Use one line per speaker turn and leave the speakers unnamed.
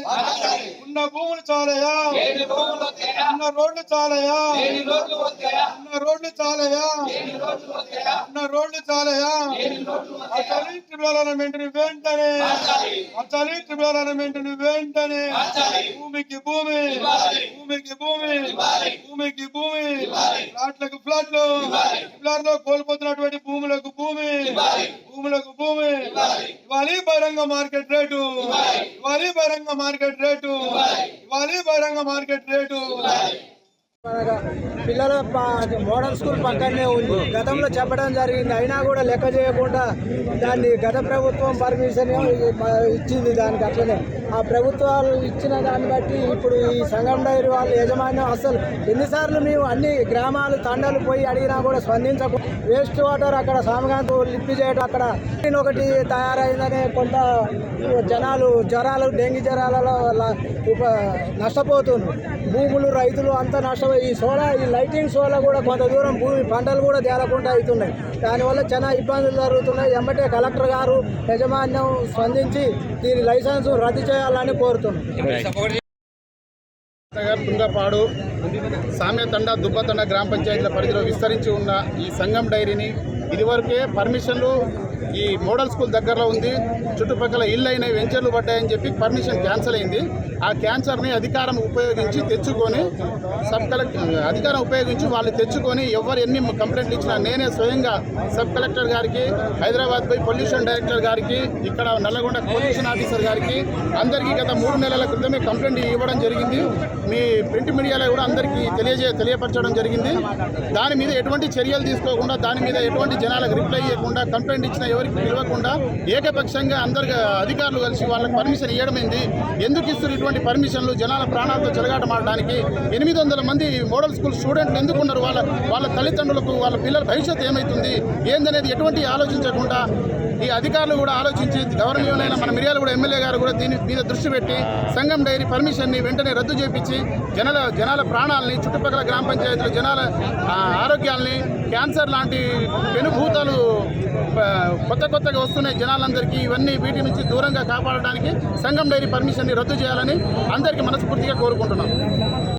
ఉన్న భూములు చాలయా, ఉన్న రోడ్లు చాలయా, ఉన్న రోడ్లు చాలయా, ఉన్న రోడ్లు చాలయా. అసలు ట్రిబ్యునల్ వెంటనే, అసలు ట్రిబ్యునల్ వెంటనే భూమికి భూమి, భూమికి భూమి, భూమికి భూమి, ఫ్లాట్లకు ఫ్లాట్లు, ఫ్లాట్లో కోల్పోతున్నటువంటి భూములకు భూమి, భూములకు భూమి ఇవ్వాలి. బహిరంగ మార్కెట్ రేటు ఇవ్వాలి, బహిరంగ మార్కెట్ రేటు ఇవ్వాలి, బహిరంగ మార్కెట్ రేటు.
పిల్లల మోడల్ స్కూల్ పక్కనే ఉంది. గతంలో చెప్పడం జరిగింది, అయినా కూడా లెక్క చేయకుండా దాన్ని గత ప్రభుత్వం పర్మిషన్ ఇచ్చింది. దానికి అట్లనే ఆ ప్రభుత్వాలు ఇచ్చిన దాన్ని బట్టి ఇప్పుడు ఈ సంగం డైరీ వాళ్ళ యజమాన్యం అసలు ఎన్నిసార్లు మేము అన్ని గ్రామాలు తండాలు పోయి అడిగినా కూడా స్పందించకుండా వేస్ట్ వాటర్ అక్కడ సామగాంతో లిప్పి చేయడం, అక్కడ ఒకటి తయారైందనే కొంత జనాలు జ్వరాలు, డెంగీ జ్వరాలలో నష్టపోతున్నారు. భూములు, రైతులు అంతా నష్టపోయి ఈ లైటింగ్స్ వల్ల కూడా కొంత దూరం భూమి పంటలు కూడా తేలకుండా అవుతున్నాయి. దానివల్ల చాలా ఇబ్బందులు జరుగుతున్నాయి. ఎమ్మటే కలెక్టర్ గారు యజమాన్యం స్పందించి దీని లైసెన్స్ రద్దు చేయాలని కోరుతున్నాం.
తుంగపాడు, సామ్యతండ, దుబ్బతండ గ్రామ పంచాయతీల పరిధిలో విస్తరించి ఉన్న ఈ సంగం డైరీని ఇదివరకే పర్మిషన్లు ఈ మోడల్ స్కూల్ దగ్గరలో ఉంది, చుట్టుపక్కల ఇళ్ళు అయినాయి, వెంచర్లు పడ్డాయని చెప్పి పర్మిషన్ క్యాన్సిల్ అయింది. ఆ క్యాన్సర్ని అధికారం ఉపయోగించి తెచ్చుకొని అధికారం ఉపయోగించి వాళ్ళు తెచ్చుకొని ఎవరు ఎన్ని కంప్లైంట్లు ఇచ్చినా నేనే స్వయంగా సబ్ కలెక్టర్ గారికి, హైదరాబాద్ పోయి పొల్యూషన్ డైరెక్టర్ గారికి, ఇక్కడ నల్లగొండ పొల్యూషన్ ఆఫీసర్ గారికి అందరికీ గత 3 నెలల క్రితమే కంప్లైంట్ ఇవ్వడం జరిగింది. మీ ప్రింట్ మీడియాలో కూడా అందరికీ తెలియపరచడం జరిగింది. దాని మీద ఎటువంటి చర్యలు తీసుకోకుండా, దాని మీద ఎటువంటి జనాలకు రిప్లై ఇవ్వకుండా, కంప్లైంట్ ఇచ్చిన ఎవరికి పిలవకుండా ఏకపక్షంగా అందరు అధికారులు కలిసి వాళ్ళకి పర్మిషన్ ఇవ్వడమైంది. ఎందుకు ఇస్తారు ఇటువంటి పర్మిషన్లు? జనాల ప్రాణాలతో చెలగాటమాడడానికి. 800 మంది మోడల్ స్కూల్ స్టూడెంట్లు ఎందుకున్నారు? వాళ్ళ తల్లిదండ్రులకు, వాళ్ళ పిల్లల భవిష్యత్తు ఏమవుతుంది ఏందనేది ఎటువంటి ఆలోచించకుండా ఈ అధికారులు కూడా ఆలోచించి గవర్నమెంట్ మన మిర్యాల కూడా ఎమ్మెల్యే గారు కూడా దీని మీద దృష్టి పెట్టి సంగం డైరీ పర్మిషన్ని వెంటనే రద్దు చేపించి జనాల ప్రాణాలని, చుట్టుపక్కల గ్రామ పంచాయతీల జనాల ఆరోగ్యాలని, క్యాన్సర్ లాంటి పెనుభూతాలు కొత్తగా వస్తున్నాయి జనాలందరికీ. వీటి నుంచి దూరంగా కాపాడడానికి సంగం డైరీ పర్మిషన్ని రద్దు చేయాలని అందరికీ మనస్ఫూర్తిగా కోరుకుంటున్నాం.